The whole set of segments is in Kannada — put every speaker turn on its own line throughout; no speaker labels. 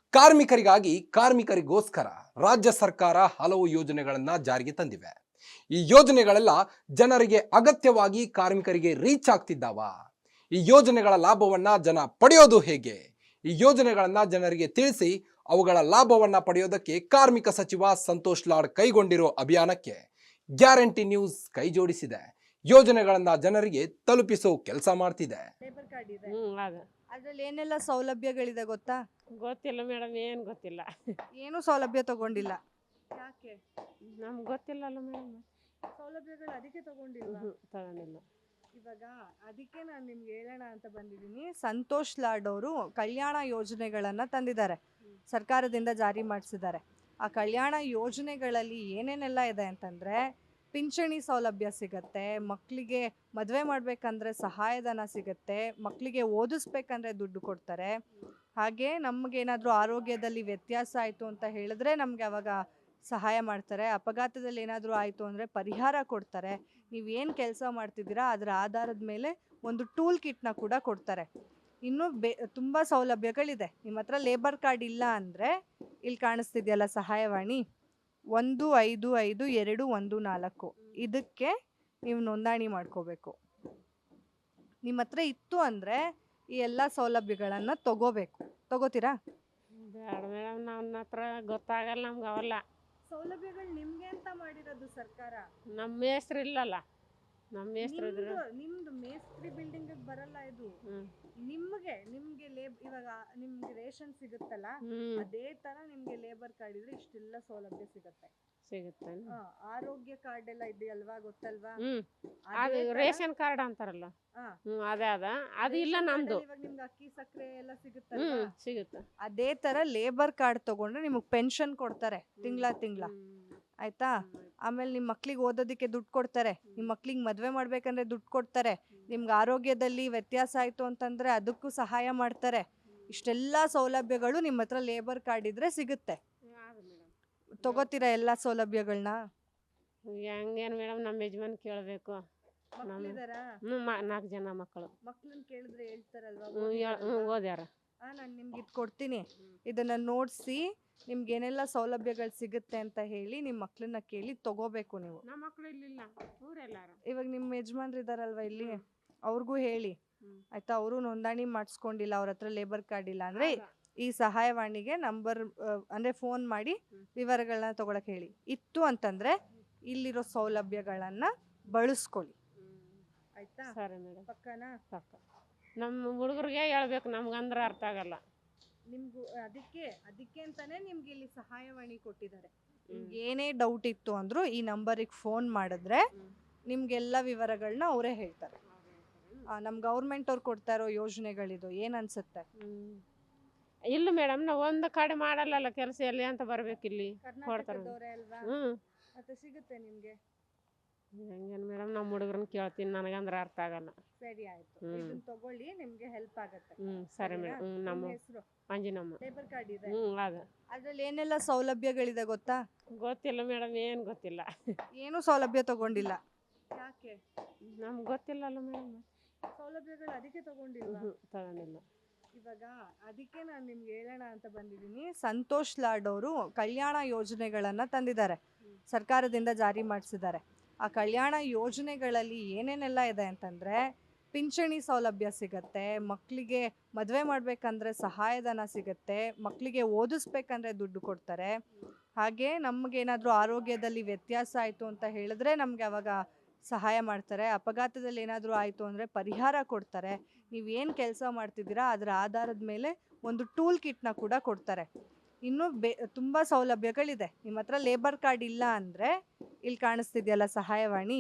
ಕಾರ್ಮಿಕರಿಗೋಸ್ಕರ ರಾಜ್ಯ ಸರ್ಕಾರ ಹಲವು ಯೋಜನೆಗಳನ್ನ ಜಾರಿಗೆ ತಂದಿವೆ. ಈ ಯೋಜನೆಗಳೆಲ್ಲ ಜನರಿಗೆ ಅಗತ್ಯವಾಗಿ ಕಾರ್ಮಿಕರಿಗೆ ರೀಚ್ ಆಗ್ತಿದ್ದಾವ? ಈ ಯೋಜನೆಗಳ ಲಾಭವನ್ನ ಜನ ಪಡೆಯೋದು ಹೇಗೆ? ಈ ಯೋಜನೆಗಳನ್ನ ಜನರಿಗೆ ತಿಳಿಸಿ ಅವುಗಳ ಲಾಭವನ್ನ ಪಡೆಯೋದಕ್ಕೆ ಕಾರ್ಮಿಕ ಸಚಿವ ಸಂತೋಷ್ ಲಾಡ್ ಕೈಗೊಂಡಿರೋ ಅಭಿಯಾನಕ್ಕೆ ಗ್ಯಾರಂಟಿ ನ್ಯೂಸ್ ಕೈ ಜೋಡಿಸಿದೆ. ಯೋಜನೆಗಳನ್ನ ಜನರಿಗೆ ತಲುಪಿಸೋ ಕೆಲಸ ಮಾಡ್ತಿದೆ.
ಲೇಬರ್ ಕಾರ್ಡ್ ಇದೆ.
ಅದು
ಅದ್ರಲ್ಲಿ ಏನೆಲ್ಲ ಸೌಲಭ್ಯಗಳಿದೆ ಗೊತ್ತಾ?
ಗೊತ್ತಿಲ್ಲ ಮೇಡಮ್, ಏನು ಗೊತ್ತಿಲ್ಲ.
ಏನು ಸೌಲಭ್ಯ ತಗೊಂಡಿಲ್ಲ. ಯಾಕೆ?
ನಮ್ಗೆ ಗೊತ್ತಿಲ್ಲಲ್ಲ ಮೇಡಮ್.
ಸೌಲಭ್ಯಗಳು ಅದಕ್ಕೆ ತಗೊಂಡಿಲ್ವಾ?
ತಗೊಂಡಿಲ್ಲ.
ಇವಾಗ ಅದಕ್ಕೆ ನಾನು ನಿಮ್ಗೆ ಹೇಳೋಣ ಅಂತ ಬಂದಿದ್ದೀನಿ. ಸಂತೋಷ್ ಲಾಡ್ ಅವರು ಕಲ್ಯಾಣ ಯೋಜನೆಗಳನ್ನು ತಂದಿದ್ದಾರೆ, ಸರ್ಕಾರದಿಂದ ಜಾರಿ ಮಾಡಿಸಿದ್ದಾರೆ. ಆ ಕಲ್ಯಾಣ ಯೋಜನೆಗಳಲ್ಲಿ ಏನೇನೆಲ್ಲ ಇದೆ ಅಂತಂದರೆ, ಪಿಂಚಣಿ ಸೌಲಭ್ಯ ಸಿಗತ್ತೆ, ಮಕ್ಕಳಿಗೆ ಮದುವೆ ಮಾಡಬೇಕಂದ್ರೆ ಸಹಾಯಧನ ಸಿಗುತ್ತೆ, ಮಕ್ಕಳಿಗೆ ಓದಿಸ್ಬೇಕಂದ್ರೆ ದುಡ್ಡು ಕೊಡ್ತಾರೆ. ಹಾಗೆ ನಮಗೇನಾದರೂ ಆರೋಗ್ಯದಲ್ಲಿ ವ್ಯತ್ಯಾಸ ಆಯಿತು ಅಂತ ಹೇಳಿದ್ರೆ ನಮಗೆ ಅವಾಗ ಸಹಾಯ ಮಾಡ್ತಾರೆ. ಅಪಘಾತದಲ್ಲಿ ಏನಾದರೂ ಆಯಿತು ಅಂದರೆ ಪರಿಹಾರ ಕೊಡ್ತಾರೆ. ನೀವೇನು ಕೆಲಸ ಮಾಡ್ತಿದ್ದೀರಾ ಅದರ ಆಧಾರದ ಮೇಲೆ ಒಂದು ಟೂಲ್ ಕಿಟ್ನ ಕೂಡ ಕೊಡ್ತಾರೆ. ಇನ್ನೂ ತುಂಬ ಸೌಲಭ್ಯಗಳಿದೆ. ನಿಮ್ಮ ಹತ್ರ ಲೇಬರ್ ಕಾರ್ಡ್ ಇಲ್ಲ ಅಂದರೆ ಇಲ್ಲಿ ಕಾಣಿಸ್ತಿದೆಯಲ್ಲ ಸಹಾಯವಾಣಿ 155214, ಇದಕ್ಕೆ ನೀವು ನೋಂದಣಿ ಮಾಡ್ಕೋಬೇಕು. ನಿಮ್ಮ ಹತ್ರ ಇತ್ತು ಅಂದರೆ ಈ ಎಲ್ಲ ಸೌಲಭ್ಯಗಳನ್ನು ತಗೋತೀರಾ?
ಬೇಡ ಮೇಡಮ್, ನನ್ನ ಹತ್ರ ಗೊತ್ತಾಗಲ್ಲ ನಮ್ಗೆ ಅವೆಲ್ಲ
ಸೌಲಭ್ಯಗಳು ನಿಮ್ಗೆ ಅಂತ ಮಾಡಿರೋದು ಸರ್ಕಾರ.
ನಮ್ಮ ಮೇಸ್ತ್ರು ಇಲ್ಲಲ್ಲ. ನಮ್ಮ ಮೇಸ್ತ್ರು ಇದ್ರೆ
ನಿಮ್ದು ಮೇಸ್ತ್ರಿ ಬಿಲ್ಡಿಂಗ್ ಬರಲ್ಲ ಇದು. ನಿಮ್ಗೆ ಇವಾಗ ನಿಮ್ಗೆ ರೇಷನ್ ಸಿಗುತ್ತಲ್ಲ, ಅದೇ ತರ ನಿಮ್ಗೆ ಲೇಬರ್ ಕಾರ್ಡ್ ಇದ್ರೆ ಇಷ್ಟೆಲ್ಲ ಸೌಲಭ್ಯ ಸಿಗುತ್ತೆ. ಆರೋಗ್ಯ ಕಾರ್ಡ್ ಎಲ್ಲ ಇದೆಯಲ್ವಾ, ಗೊತ್ತಲ್ವಾ?
ಅದು ರೇಷನ್ ಕಾರ್ಡ್ ಅಂತಾರಲ್ಲ, ಅದೇ ಅದು ಇಲ್ಲ ನಮ್ದು.
ಇವಾಗ ನಿಮ್ಗೆ ಅಕ್ಕಿ ಸಕ್ಕರೆ ಎಲ್ಲ ಸಿಗುತ್ತಲ್ಲ,
ಸಿಗುತ್ತೆ.
ಅದೇ ತರ ಲೇಬರ್ ಕಾರ್ಡ್ ತಗೊಂಡ್ರೆ ನಿಮಗೆ ಪೆನ್ಷನ್ ಕೊಡ್ತಾರೆ ತಿಂಗಳ. ಆಯ್ತಾ? ಆಮೇಲೆ ನಿಮ್ಮ ಮಕ್ಳಿಗೆ ಓದೋದಕ್ಕೆ ದುಡ್ಡು ಕೊಡ್ತಾರೆ, ನಿಮ್ಮ ಮಕ್ಳಿಗೆ ಮದುವೆ ಮಾಡ್ಬೇಕಂದ್ರೆ ದುಡ್ಡು ಕೊಡ್ತಾರೆ, ನಿಮ್ಗೆ ಆರೋಗ್ಯದಲ್ಲಿ ವ್ಯತ್ಯಾಸ ಆಯಿತು ಅಂತಂದರೆ ಅದಕ್ಕೂ ಸಹಾಯ ಮಾಡ್ತಾರೆ. ಇಷ್ಟೆಲ್ಲ ಸೌಲಭ್ಯಗಳು ನಿಮ್ಮ ಹತ್ರ ಲೇಬರ್ ಕಾರ್ಡ್ ಇದ್ರೆ ಸಿಗುತ್ತೆ. ತಗೋತೀರಾ ಎಲ್ಲ ಸೌಲಭ್ಯಗಳನ್ನ?
ಹೆಂಗೇನು ಮೇಡಮ್, ನಮ್ಮ ಯಜಮಾನ್ ಕೇಳಬೇಕು. 4 ಜನ ಮಕ್ಕಳನ್ನ
ಕೇಳಿದ್ರೆ ಹೇಳ್ತಾರಲ್ವಾ?
ಓದ್ಯಾರ.
ನಾನು ನಿಮ್ಗೆ ಇದು ಕೊಡ್ತೀನಿ, ಇದನ್ನು ನೋಡಿಸಿ ನಿಮ್ಗೆ ಏನೆಲ್ಲ ಸೌಲಭ್ಯಗಳು ಸಿಗುತ್ತೆ ಅಂತ ಹೇಳಿ ನಿಮ್ಮ ಮಕ್ಕಳನ್ನ ಕೇಳಿ ತಗೋಬೇಕು ನೀವು.
ನಮ್ಮ ಮಕ್ಕಳು ಇಲ್ಲಿಲ್ಲ, ಊರೆಲ್ಲಾರ.
ಇವಾಗ ನಿಮ್ಮ ಯಜಮಾನ್ರು ಇದಾರಲ್ವಾ ಇಲ್ಲಿ, ಅವ್ರಿಗೂ ಹೇಳಿ ಆಯ್ತಾ? ಅವರು ನೋಂದಣಿ ಮಾಡಿಸ್ಕೊಂಡಿಲ್ಲ, ಅವ್ರ ಹತ್ರ ಲೇಬರ್ ಕಾರ್ಡ್ ಇಲ್ಲ ಅಂದರೆ ಈ ಸಹಾಯವಾಣಿಗೆ ನಂಬರ್ ಅಂದರೆ ಫೋನ್ ಮಾಡಿ ವಿವರಗಳನ್ನ ತಗೊಳಕ್ಕೆ ಹೇಳಿ. ಇತ್ತು ಅಂತಂದರೆ ಇಲ್ಲಿರೋ ಸೌಲಭ್ಯಗಳನ್ನು ಬಳಸ್ಕೊಳ್ಳಿ. ಆಯ್ತಾ?
ಸರಿ ಮೇಡಮ್.
ಪಕ್ಕನಾ?
ಪಕ್ಕ. ನಮ್ಮ ಹುಡುಗರಿಗೆ ಹೇಳ್ಬೇಕು, ನಮ್ಗಂದ್ರೆ ಅರ್ಥ ಆಗಲ್ಲ.
ನಿಮ್ಗೂ ಅದಕ್ಕೆ ಅಂತಾನೆ ನಿಮ್ಗೆ ಇಲ್ಲಿ ಸಹಾಯವಾಣಿ ಕೊಟ್ಟಿದ್ದಾರೆ. ನಿಮ್ಗೆ ಏನೇ ಡೌಟ್ ಇತ್ತು ಅಂದರೂ ಈ ನಂಬರಿಗೆ ಫೋನ್ ಮಾಡಿದ್ರೆ ನಿಮ್ಗೆಲ್ಲ ವಿವರಗಳನ್ನ ಅವರೇ ಹೇಳ್ತಾರೆ. ನಮ್ಮ ಗೌರ್ಮೆಂಟ್ ಅವ್ರು ಕೊಡ್ತಾ ಇರೋ ಯೋಜನೆಗಳಿದು ಏನು ಅನ್ಸುತ್ತೆ?
ಇಲ್ಲ ಮೇಡಮ್, ನಾವು ಒಂದು ಕಡೆ ಮಾಡಲ್ಲ ಕೆಲಸ, ಎಲ್ಲಿ ಅಂತ ಬರ್ಬೇಕು ಇಲ್ಲಿ ಕೊಡ್ತಾರೆ.
ಮತ್ತೆ ಸಿಗುತ್ತೆ ನಿಮ್ಗೆ?
ಹೆಂಗೇನು ಮೇಡಮ್, ನಮ್ಮ ಹುಡುಗರನ್ನ ಕೇಳ್ತೀನಿ, ನನಗಂದ್ರೆ ಅರ್ಥ ಆಗಲ್ಲ.
ಸರಿ ಆಯ್ತು, ಇದನ್ನ ತಗೊಳ್ಳಿ, ನಿಮ್ಗೆ ಹೆಲ್ಪ್ ಆಗುತ್ತೆ.
ಸರಿ ಮೇಡಮ್. ನಮ್ಮ
ಹೆಸರು
ಮಂಜಿನಮ್ಮ.
ಲೇಬರ್ ಕಾರ್ಡ್ ಇದೆ.
ಅದು
ಅದ್ರಲ್ಲಿ ಏನೆಲ್ಲ ಸೌಲಭ್ಯಗಳಿದೆ ಗೊತ್ತಾ?
ಗೊತ್ತಿಲ್ಲ ಮೇಡಮ್, ಏನು ಗೊತ್ತಿಲ್ಲ.
ಏನು ಸೌಲಭ್ಯ ತಗೊಂಡಿಲ್ಲ. ಯಾಕೆ?
ನಮ್ಗೆ ಗೊತ್ತಿಲ್ಲಲ್ಲ ಮೇಡಮ್.
ಸೌಲಭ್ಯಗಳು ಅದಕ್ಕೆ ತಗೊಂಡಿಲ್ಲ.
ತಗೊಂಡಿಲ್ಲ.
ಇವಾಗ ಅದಕ್ಕೆ ನಾನು ನಿಮ್ಗೆ ಹೇಳೋಣ ಅಂತ ಬಂದಿದ್ದೀನಿ. ಸಂತೋಷ್ ಲಾಡ್ ಅವರು ಕಲ್ಯಾಣ ಯೋಜನೆಗಳನ್ನು ತಂದಿದ್ದಾರೆ, ಸರ್ಕಾರದಿಂದ ಜಾರಿ ಮಾಡಿಸಿದ್ದಾರೆ. ಆ ಕಲ್ಯಾಣ ಯೋಜನೆಗಳಲ್ಲಿ ಏನೇನೆಲ್ಲ ಇದೆ ಅಂತಂದರೆ, ಪಿಂಚಣಿ ಸೌಲಭ್ಯ ಸಿಗತ್ತೆ, ಮಕ್ಕಳಿಗೆ ಮದುವೆ ಮಾಡಬೇಕಂದ್ರೆ ಸಹಾಯಧನ ಸಿಗುತ್ತೆ, ಮಕ್ಕಳಿಗೆ ಓದಿಸ್ಬೇಕಂದ್ರೆ ದುಡ್ಡು ಕೊಡ್ತಾರೆ. ಹಾಗೆ ನಮಗೇನಾದರೂ ಆರೋಗ್ಯದಲ್ಲಿ ವ್ಯತ್ಯಾಸ ಆಯಿತು ಅಂತ ಹೇಳಿದ್ರೆ ನಮಗೆ ಅವಾಗ ಸಹಾಯ ಮಾಡ್ತಾರೆ. ಅಪಘಾತದಲ್ಲಿ ಏನಾದರೂ ಆಯಿತು ಅಂದರೆ ಪರಿಹಾರ ಕೊಡ್ತಾರೆ. ನೀವೇನು ಕೆಲಸ ಮಾಡ್ತಿದ್ದೀರಾ ಅದರ ಆಧಾರದ ಮೇಲೆ ಒಂದು ಟೂಲ್ ಕಿಟ್ನ ಕೂಡ ಕೊಡ್ತಾರೆ. ಇನ್ನೂ ತುಂಬ ಸೌಲಭ್ಯಗಳಿದೆ. ನಿಮ್ಮ ಹತ್ರ ಲೇಬರ್ ಕಾರ್ಡ್ ಇಲ್ಲ ಅಂದರೆ ಇಲ್ಲಿ ಕಾಣಿಸ್ತಿದೆಯಲ್ಲ ಸಹಾಯವಾಣಿ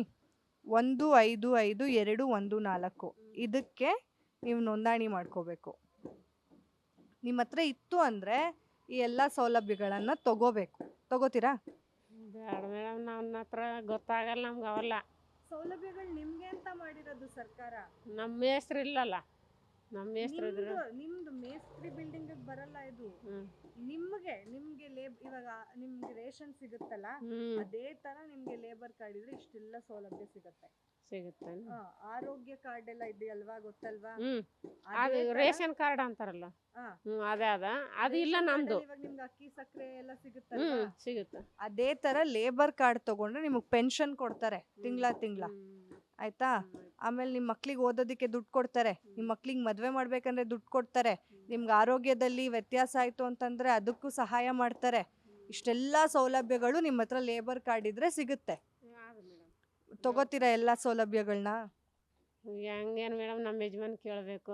155214, ಇದಕ್ಕೆ ನೀವು ನೋಂದಣಿ ಮಾಡ್ಕೋಬೇಕು. ನಿಮ್ಮ ಹತ್ರ ಇತ್ತು ಅಂದರೆ ಈ ಎಲ್ಲ ಸೌಲಭ್ಯಗಳನ್ನು ತಗೋತೀರಾ?
ಬೇಡ ಮೇಡಮ್, ನನ್ನ ಹತ್ರ ಗೊತ್ತಾಗಲ್ಲ ನಮ್ಗೆ ಅವೆಲ್ಲ
ಸೌಲಭ್ಯಗಳು ನಿಮ್ಗೆ ಅಂತ ಮಾಡಿರೋದು ಸರ್ಕಾರ.
ನಮ್ಮ ಮೇಸ್ತ್ರು ಇಲ್ಲಲ್ಲ. ನಮ್ಮ ಮೇಸ್ತ್ರು ಇದ್ರು
ನಿಮ್ದು ಮೇಸ್ತ್ರಿ ಬಿಲ್ಡಿಂಗ್ ಬರಲ್ಲ ಇದು.
ಹ್ಮ್
ನಿಮ್ಗೆ ಇವಾಗ ನಿಮ್ಗೆ ರೇಷನ್ ಸಿಗುತ್ತಲ್ಲ, ಅದೇ ತರ ನಿಮ್ಗೆ ಲೇಬರ್ ಕಾರ್ಡ್ ಇದ್ರೆ ಇಷ್ಟೆಲ್ಲ ಸೌಲಭ್ಯ ಸಿಗುತ್ತೆ.
ಸಿಗುತ್ತೆ.
ಆರೋಗ್ಯ ಕಾರ್ಡ್ ಎಲ್ಲ ಇದೆಯಲ್ವಾ, ಗೊತ್ತಲ್ವಾ?
ಅದು ರೇಷನ್ ಕಾರ್ಡ್ ಅಂತಾರಲ್ಲ, ಅದೇ ಅದು ಇಲ್ಲ ನಮ್ದು.
ಇವಾಗ ನಿಮ್ಗೆ ಅಕ್ಕಿ ಸಕ್ಕರೆ ಎಲ್ಲ ಸಿಗುತ್ತಲ್ಲ,
ಸಿಗುತ್ತೆ.
ಅದೇ ತರ ಲೇಬರ್ ಕಾರ್ಡ್ ತಗೊಂಡ್ರೆ ನಿಮಗ್ ಪೆನ್ಷನ್ ಕೊಡ್ತಾರೆ ತಿಂಗಳ. ಆಯ್ತಾ? ಆಮೇಲೆ ನಿಮ್ಮ ಮಕ್ಳಿಗೆ ಓದೋದಕ್ಕೆ ದುಡ್ಡು ಕೊಡ್ತಾರೆ, ನಿಮ್ಮ ಮಕ್ಳಿಗೆ ಮದ್ವೆ ಮಾಡ್ಬೇಕಂದ್ರೆ ದುಡ್ಡು ಕೊಡ್ತಾರೆ, ನಿಮ್ಗೆ ಆರೋಗ್ಯದಲ್ಲಿ ವ್ಯತ್ಯಾಸ ಆಯ್ತು ಅಂತಂದ್ರೆ ಅದಕ್ಕೂ ಸಹಾಯ ಮಾಡ್ತಾರೆ. ಇಷ್ಟೆಲ್ಲ ಸೌಲಭ್ಯಗಳು ನಿಮ್ಮ ಹತ್ರ ಲೇಬರ್ ಕಾರ್ಡ್ ಇದ್ರೆ ಸಿಗುತ್ತೆ. ತಗೋತೀರಾ ಎಲ್ಲಾ ಸೌಲಭ್ಯಗಳನ್ನ?
ಹೆಂಗೇನು ಮೇಡಮ್, ನಮ್ಮ ಯಜಮಾನ್ ಕೇಳಬೇಕು.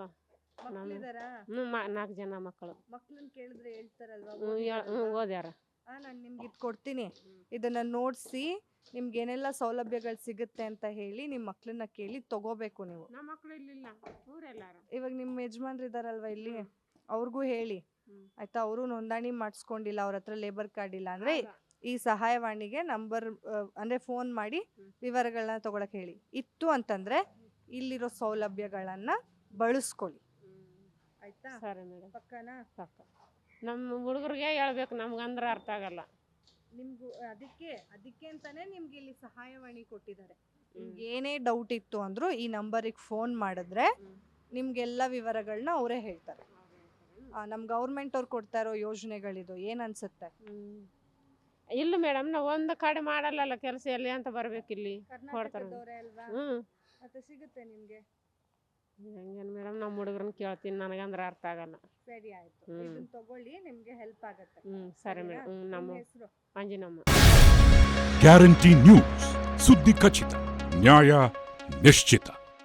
4 ಜನ ಮಕ್ಕಳು.
ಮಕ್ಳನ್ನ ಕೇಳಿದ್ರೆ ಹೇಳ್ತಾರಲ್ವಾ?
ಓದ್ಯಾರ.
ನಾನು ನಿಮ್ಗೆ ಇದು ಕೊಡ್ತೀನಿ, ಇದನ್ನ ನೋಡ್ಸಿ ನಿಮ್ಗೆ ಏನೆಲ್ಲ ಸೌಲಭ್ಯಗಳು ಸಿಗುತ್ತೆ ಅಂತ ಹೇಳಿ ನಿಮ್ಮ ಮಕ್ಳನ್ನ ಕೇಳಿ ತಗೋಬೇಕು ನೀವು.
ನಮ್ಮ ಮಕ್ಳು ಇಲ್ಲಿಲ್ಲ, ಊರೆಲ್ಲಾರ.
ಇವಾಗ ನಿಮ್ಮ ಯಜಮಾನ್ರು ಇದಾರಲ್ವಾ ಇಲ್ಲಿ, ಅವ್ರಿಗೂ ಹೇಳಿ ಆಯ್ತಾ? ಅವರು ನೋಂದಣಿ ಮಾಡಿಸ್ಕೊಂಡಿಲ್ಲ, ಅವ್ರ ಹತ್ರ ಲೇಬರ್ ಕಾರ್ಡ್ ಇಲ್ಲ ಅಂದ್ರೆ ಈ ಸಹಾಯವಾಣಿಗೆ ನಂಬರ್ ಅಂದ್ರೆ ಫೋನ್ ಮಾಡಿ ವಿವರಗಳನ್ನ ತಗೊಳಕ್ ಹೇಳಿ. ಇತ್ತು ಅಂತಂದ್ರೆ ಇಲ್ಲಿರೋ ಸೌಲಭ್ಯಗಳನ್ನ ಬಳಸ್ಕೊಳ್ಳಿ. ಆಯ್ತಾ?
ಸರಿ ಮೇಡಮ್.
ಪಕ್ಕನಾ?
ಪಕ್ಕ. ನಮ್ಮ ಹುಡುಗರಿಗೆ ಹೇಳ್ಬೇಕು, ನಮ್ಗಂದ್ರೆ ಅರ್ಥ ಆಗಲ್ಲ.
ನಿಮ್ಗೂ ಅದಕ್ಕೆ ಅಂತಾನೆ ನಿಮ್ಗೆ ಇಲ್ಲಿ ಸಹಾಯವಾಣಿ ಕೊಟ್ಟಿದ್ದಾರೆ. ನಿಮ್ಗೆ ಏನೇ ಡೌಟ್ ಇತ್ತು ಅಂದ್ರೂ ಈ ನಂಬರಿಗೆ ಫೋನ್ ಮಾಡಿದ್ರೆ ನಿಮ್ಗೆಲ್ಲ ವಿವರಗಳನ್ನ ಅವರೇ ಹೇಳ್ತಾರೆ. ನಮ್ ಗೌರ್ಮೆಂಟ್ ಅವ್ರು ಕೊಡ್ತಾ ಇರೋ ಯೋಜನೆಗಳಿದು ಏನ್ ಅನ್ಸುತ್ತೆ?
ಇಲ್ಲ ಮೇಡಮ್, ನಾವು ಒಂದು ಕಡೆ ಮಾಡಲ್ಲ ಕೆಲಸ, ಎಲ್ಲಿ ಅಂತ ಬರ್ಬೇಕು ಇಲ್ಲಿ.
ಕರ್ನಾಟಕದವರೇ ಅಲ್ವಾ? ಮತ್ತೆ ಸಿಗುತ್ತೆ ನಿಮ್ಗೆ.
ಹೆಂಗೇನು ಮೇಡಮ್, ನಮ್ಮ ಹುಡುಗರನ್ನ ಕೇಳ್ತೀನಿ, ನನಗಂದ್ರೆ ಅರ್ಥ ಆಗಲ್ಲ.
ಸರಿ ಆಯ್ತು, ಇದನ್ನ ತಗೊಳ್ಳಿ, ನಿಮ್ಗೆ ಹೆಲ್ಪ್ ಆಗುತ್ತೆ.
ಸರಿ ಮೇಡಮ್. ನಮ್ಮ
ಹೆಸರು
ಅಂಜಿನಮ್ಮ.
ಗ್ಯಾರಂಟಿ ನ್ಯೂಸ್, ಸುದ್ದಿ ಖಚಿತ, ನ್ಯಾಯ ನಿಶ್ಚಿತ.